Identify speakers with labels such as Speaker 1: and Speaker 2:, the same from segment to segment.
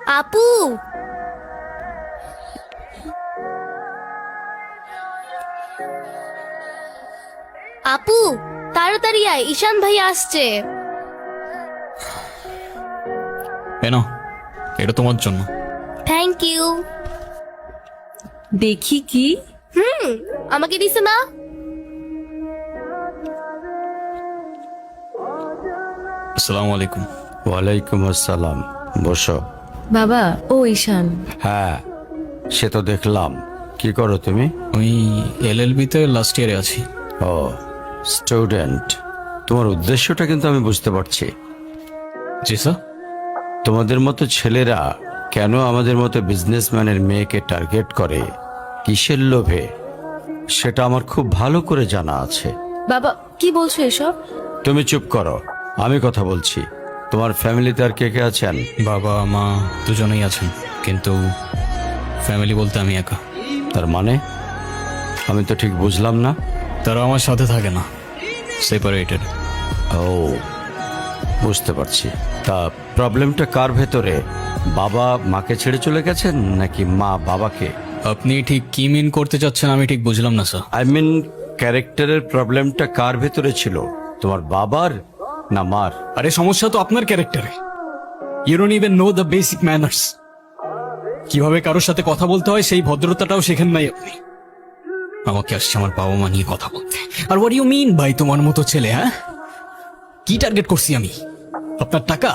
Speaker 1: আপু, আপু তাড়াতাড়ি আয়, ঈশান ভাই আসছে।
Speaker 2: এনো, এটা তোমার জন্য।
Speaker 1: Thank you.
Speaker 3: দেখি কি?
Speaker 1: আমাকে দিছে না?
Speaker 2: আসসালামু আলাইকুম।
Speaker 4: ওয়ালাইকুম আসসালাম, বসো।
Speaker 3: বাবা, ও ঈশান।
Speaker 4: হ্যাঁ, সে তো দেখলাম। কি করো তুমি?
Speaker 2: আমি এলএলবি-তে লাস্ট ইয়ারে আছি।
Speaker 4: ও, স্টুডেন্ট। তোমার উদ্দেশ্যটা কিন্তু আমি বুঝতে পারছি।
Speaker 2: জি স্যার।
Speaker 4: তোমাদের মতো ছেলেরা কেন আমাদের মতো বিজনেসম্যানের মেয়েকে টার্গেট করে, কিসের লোভে, সেটা আমার খুব ভালো করে জানা আছে।
Speaker 3: বাবা, কি বলছো এসব?
Speaker 4: তুমি চুপ করো, আমি কথা বলছি। তোমার ফ্যামিলিতে আর কে কে আছেন?
Speaker 2: বাবা মা দুজনেই আছেন, কিন্তু ফ্যামিলি বলতে আমি একা।
Speaker 4: তার মানে আমি তো ঠিক বুঝলাম না।
Speaker 2: তারা আমার সাথে থাকে না, সেপারেটেড।
Speaker 4: ও, বুঝতে পারছি। তা প্রবলেমটা কার ভেতরে? বাবা মাকে ছেড়ে চলে গেছেন নাকি মা বাবাকে?
Speaker 2: আপনি ঠিক কি মিন করতে চাচ্ছেন আমি ঠিক বুঝলাম না স্যার।
Speaker 4: আই মিন, ক্যারেক্টারের প্রবলেমটা কার ভেতরে ছিল, তোমার বাবার না মার?
Speaker 2: আরে সমস্যা তো আপনার ক্যারেক্টারে। You don't even know the basic manners. কিভাবে কারোর সাথে কথা বলতে হয় সেই ভদ্রতাটাও শেখেন নাই আপনি। আমাকে আসছে আমার বাবা মা নিয়ে কথা বলতে। আর হোয়াট ইউ মিন ভাই তোমার মতো ছেলে? হ্যাঁ, কি টার্গেট করছি আমি? আপনার টাকা?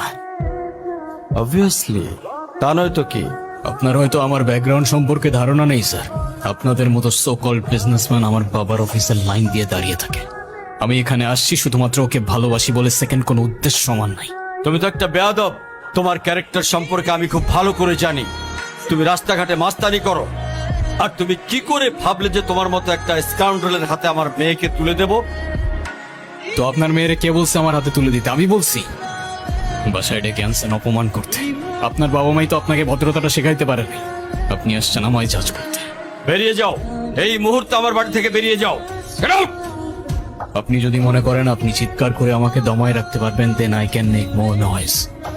Speaker 4: অবভিয়াসলি, তা নয় তো কি?
Speaker 2: আপনার হয়তো আমার ব্যাকগ্রাউন্ড সম্পর্কে ধারণা নেই স্যার। আপনাদের মতো সো কল্ড বিজনেসম্যান আমার বাবার অফিসের লাইন দিয়ে দাঁড়িয়ে থাকে। আমি এখানে আসছি শুধুমাত্র ওকে ভালোবাসি বলে, সেকেন্ড কোনো উদ্দেশ্য সমান নাই।
Speaker 4: তুমি তো একটা বেয়াদব। তোমার ক্যারেক্টার সম্পর্কে আমি খুব ভালো করে জানি। তুমি রাস্তাঘাটে মাস্তানি করো, আর তুমি কি করে ভাবলে যে তোমার মতো একটা স্কাউন্ডারের হাতে আমার মেয়েকে তুলে দেব?
Speaker 2: তো আপনার মেয়েরে কে বলছে আমার হাতে তুলে দিতে? আমি বলছি। বাসায় ডেকে আনছেন অপমান করতে। আপনার বাবা মাই তো আপনাকে ভদ্রতাটা শেখাইতে পারেনি। আপনি আসছেন আমায় জাজ করতে।
Speaker 4: বেরিয়ে যাও, এই মুহূর্তে আমার বাড়ি থেকে বেরিয়ে যাও। Get out!
Speaker 2: আপনি যদি মনে করেন আপনি চিৎকার করে আমাকে দমায় রাখতে পারবেন, then I can make more noise.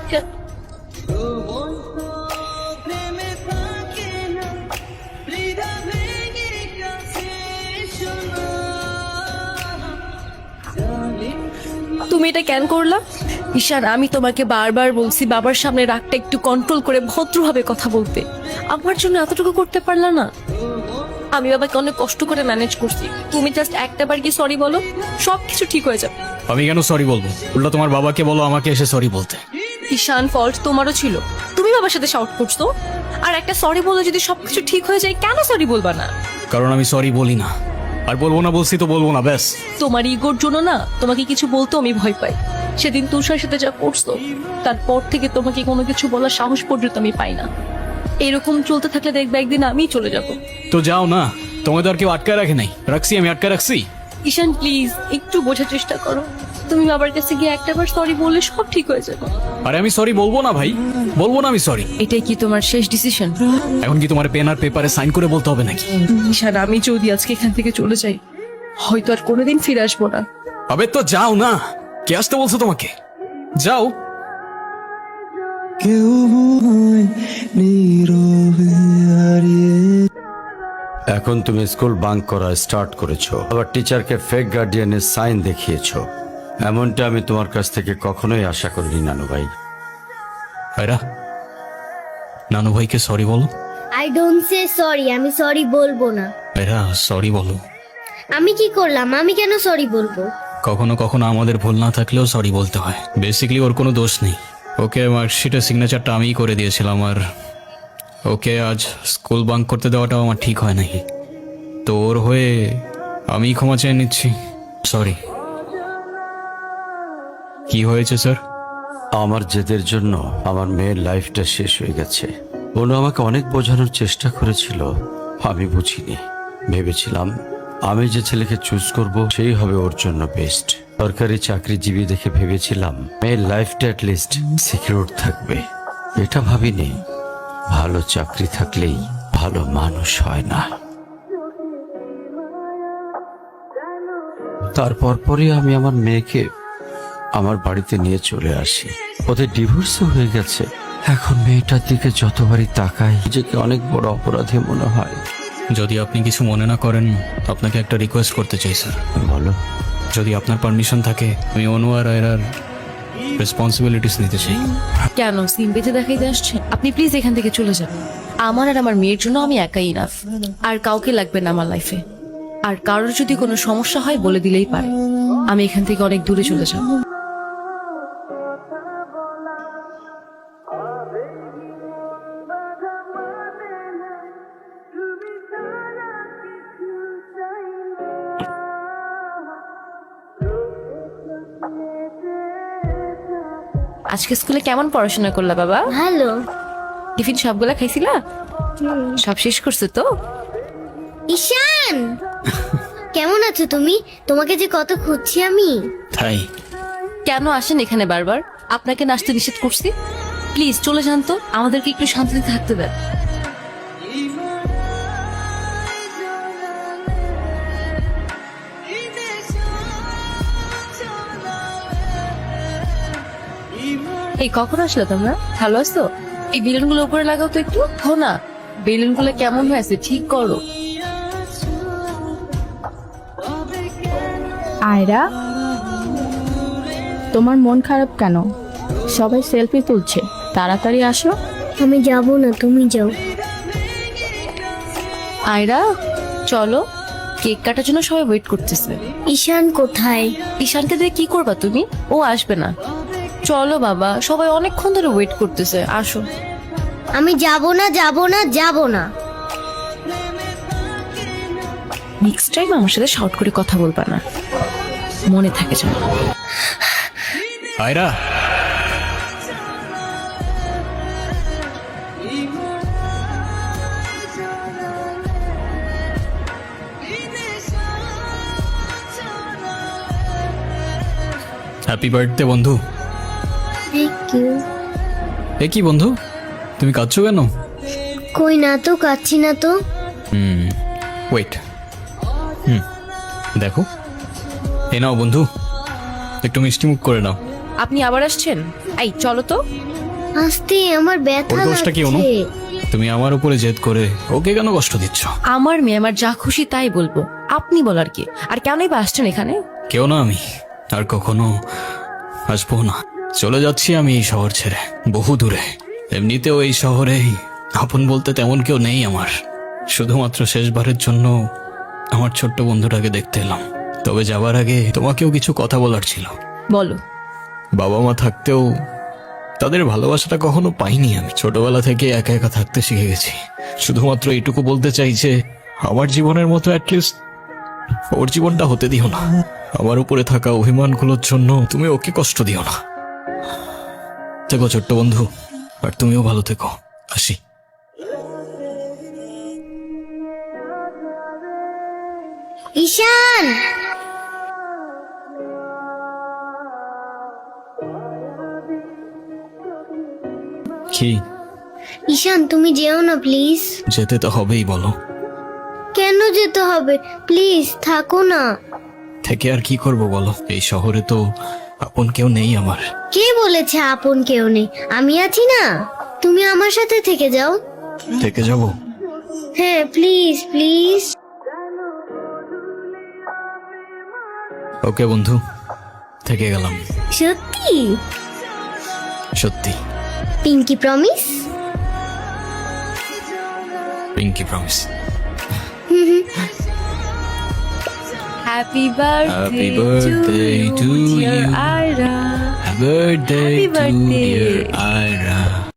Speaker 3: তুমি এটা কেন করলা? ঈশান, আমি তোমাকে বারবার বলছি বাবার সামনে রাগটা একটু কন্ট্রোল করে ভদ্রভাবে কথা বলতে। আমার জন্য এতটুকু করতে পারলা না? আমি বাবাকে অনেক কষ্ট করে ম্যানেজ করছি। তুমি জাস্ট একটাবার কি সরি বলো, সবকিছু ঠিক হয়ে যাবে।
Speaker 2: আমি কেন সরি বলবো? উল্টা তোমার বাবাকে বলো আমাকে এসে সরি বলতে।
Speaker 3: ঈশান, ফল্ট তোমারও ছিল। তুমি বাবার সাথে শাউট করছো, আর একটা সরি বলে যদি সবকিছু ঠিক হয়ে যায়, কেন সরি বলবা না?
Speaker 2: কারণ আমি সরি বলি না, আর বলবো না বলছি তো বলবো না, ব্যাস।
Speaker 3: তোমার ইগোর জন্য না তোমাকে কিছু বলতেও আমি ভয় পাই। সেদিন তুষার সাথে যা করছো, তারপর থেকে তোমাকে কোনো কিছু বলার সাহস পর্যন্ত আমি পাই না। এরকম চলতে থাকলে দেখবে একদিন আমিই চলে যাব।
Speaker 2: তো যাও না, তোমায় তো আর কেউ আটকায় রাখে নাই। রাখছি, আমি আটকায় রাখছি?
Speaker 3: ঈশান প্লিজ একটু বোঝার চেষ্টা করো। তুমি বাবার কাছে গিয়ে একটাবার সরি বললে সব ঠিক হয়ে যাবে।
Speaker 2: আরে আমি সরি বলবো না ভাই, বলবো না আমি সরি।
Speaker 3: এটাই কি তোমার শেষ ডিসিশন?
Speaker 2: এখন কি তোমার পেন আর পেপারে সাইন করে বলতে হবে নাকি?
Speaker 3: ঈশান, আমি যদি আজকে এখান থেকে চলে যাই, হয়তো আর কোনোদিন ফিরে আসবো না।
Speaker 2: আবে তো যাও না, কে আসতে বলছো তোমাকে? যাও।
Speaker 4: এখন তুমি স্কুল বাঙ্ক করা স্টার্ট করেছো, আবার টিচারকে ফেক গার্ডিয়ানের সাইন দেখিয়েছো। এমনটা আমি তোমার কাছ থেকে কখনোই আশা করিনি নানু ভাই।
Speaker 2: ভাইরা, নানু ভাইকে সরি বলো।
Speaker 1: আই ডোন্ট সে সরি, আমি সরি বলবো না।
Speaker 2: ভাইরা সরি বলো।
Speaker 1: আমি কি করলাম? আমি কেন সরি বলবো?
Speaker 2: কখনো কখনো আমাদের ভুল না থাকলেও সরি বলতে হয়। বেসিক্যালি ওর কোনো দোষ নেই। ওকে মার্কশিটের সিগনেচারটা আমিই করে দিয়েছিলাম, আর ওকে আজ স্কুল বাঙ্ক করতে দেওয়াটাও আমার ঠিক হয় নাই। তো ওর হয়ে আমি ক্ষমা চেয়ে নিচ্ছি। সরি। কি হয়েছে স্যার?
Speaker 4: আমার জেদের জন্য আমার মেয়ের লাইফটা শেষ হয়ে গেছে। ওনো আমাকে অনেক বোঝানোর চেষ্টা করেছিল, আমি বুঝিনি। ভেবেছিলাম আমি যে ছেলেকে চুজ করব সেই হবে ওর জন্য বেস্ট। সরকারি চাকরিজীবী দেখে ভেবেছিলাম মেয়ের লাইফটা অ্যাটলিস্ট সিকিউর থাকবে। এটা ভাবিনি ভালো চাকরি থাকলেই ভালো মানুষ হয় না। তারপর পরই আমি আমার মেয়েকে আমার বাড়িতে নিয়ে চলে আসি। ওদের ডিভোর্সও হয়ে গেছে। এখন মেয়েটার দিকে যতবারই তাকাই নিজেকে অনেক বড় অপরাধী মনে হয়।
Speaker 2: যদি আপনি কিছু মনে না করেন, আপনাকে একটা রিকোয়েস্ট করতে চাই স্যার।
Speaker 4: বলো।
Speaker 2: যদি আপনার পারমিশন থাকে, আমি অনু আর আয়রার রেসপন্সিবিলিটিস নিতে চাই।
Speaker 3: কেন সিম বেঁধে দেখাইতে আসছেন? আপনি প্লিজ এখান থেকে চলে যান। আমার আর আমার মেয়ের জন্য আমি একাই ইনাফ, আর কাউকে লাগবে না আমার লাইফে। আর কারোর যদি কোনো সমস্যা হয় বলে দিলেই পারে। আমি এখান থেকে অনেক দূরে চলে যাব। আজকে স্কুলে কেমন পড়াশোনা করলা বাবা?
Speaker 1: ভালো।
Speaker 3: টিফিন সবগুলা খাইছিলা? সব শেষ করছো তো?
Speaker 1: ঈশান, কেমন আছো তুমি? তোমাকে যে কত খুঁজছি আমি।
Speaker 2: তাই
Speaker 3: কেন আসেন এখানে বারবার? আপনাকে নাচতে নিষেধ করছি? প্লিজ চলে যান তো, আমাদেরকে একটু শান্তিতে থাকতে দেন। এই কখন আসলে তোমরা? ভালো আছো? এই বেলুনগুলো উপরে লাগাও তো একটু। হো না, বেলুনগুলো কেমন হয়েছে ঠিক করো।
Speaker 5: আয়রা, তোমার মন খারাপ কেন? সবাই সেলফি তুলছে, তাড়াতাড়ি আসো।
Speaker 1: আমি যাব না, তুমি যাও।
Speaker 3: আয়রা চলো, কেক কাটার জন্য সবাই ওয়েট করতেছে।
Speaker 1: ঈশান কোথায়?
Speaker 3: ঈশানকে দিয়ে কি করবা তুমি? ও আসবে না। চলো বাবা, সবাই অনেকক্ষণ ধরে ওয়েট করতেছে, আসো।
Speaker 1: আমি যাব না, যাব না, যাব না।
Speaker 3: নেক্সট টাইম আমার সাথে শর্ট করে কথা বলবা না, মনে থাকে যেন।
Speaker 2: আয়রা, হ্যাপি বার্থডে বন্ধু।
Speaker 1: Thank you.
Speaker 2: এ কি বন্ধু, তুমি কাঁদছো কেন?
Speaker 1: কই না তো, কাচ্ছি না তো।
Speaker 2: ওয়েট, দেখো, এ নাও বন্ধু, একটু মিষ্টি মুখ করে নাও।
Speaker 3: আপনি আবার আসছেন? এই চলো তো।
Speaker 1: আস্তে, আমার ব্যথা
Speaker 2: ওর দোষটা কি অনু?
Speaker 1: লাগছে।
Speaker 2: তুমি আমার উপরে জেদ করে ওকে কেন কষ্ট দিচ্ছ?
Speaker 3: আমার মেয়ে আমার যা খুশি তাই বলবো, আপনি বলার কি? আর কেনই বা আসছেন এখানে?
Speaker 2: কেউ না, আমি আর কখনো আসবো না। চলে যাচ্ছি আমি এই শহর ছেড়ে, বহু দূরে। এমনিতেও এই শহরে আপন বলতে তেমন কেউ নেই আমার। শুধুমাত্র শেষবারের জন্য আমার ছোট্ট বন্ধুটাকে দেখতে এলাম। তবে যাবার আগে তোমাকেও কিছু কথা বলার ছিল।
Speaker 3: বলো।
Speaker 2: বাবা মা থাকতেও তাদের ভালোবাসাটা কখনো পাইনি আমি। ছোটবেলা থেকে একা একা থাকতে শিখে গেছি। শুধুমাত্র এইটুকু বলতে চাই যে আমার জীবনের মতো অ্যাটলিস্ট ওর জীবনটা হতে দিও না। আমার উপরে থাকা অভিমানগুলোর জন্য তুমি ওকে কষ্ট দিও না। থেকো ছোট্ট বন্ধু, আর তুমিও ভালো থেকো। আসি।
Speaker 1: ঈশান,
Speaker 2: কি?
Speaker 1: ঈশান তুমি যেও না প্লিজ।
Speaker 2: যেতে তো হবেই, বলো।
Speaker 1: কেন যেতে হবে? প্লিজ থাকো না।
Speaker 2: থেকে আর কি করব বলো? এই শহরে তো আপন কেউ নেই আমার।
Speaker 1: কে বলেছে আপন কেউ নেই? আমি আছি না, তুমি আমার সাথে থেকে যাও।
Speaker 2: থেকে যাব?
Speaker 1: হ্যাঁ প্লিজ প্লিজ।
Speaker 2: ওকে বন্ধু, থেকে গেলাম।
Speaker 1: সত্যি?
Speaker 2: সত্যি।
Speaker 1: Pinky promise?
Speaker 2: Pinky promise.
Speaker 3: Happy
Speaker 2: Happy
Speaker 3: birthday
Speaker 2: birthday
Speaker 3: to
Speaker 2: to
Speaker 3: you
Speaker 2: you.
Speaker 3: Ayra.
Speaker 2: Happy birthday
Speaker 3: Happy
Speaker 2: to
Speaker 3: birthday.
Speaker 2: dear Ira.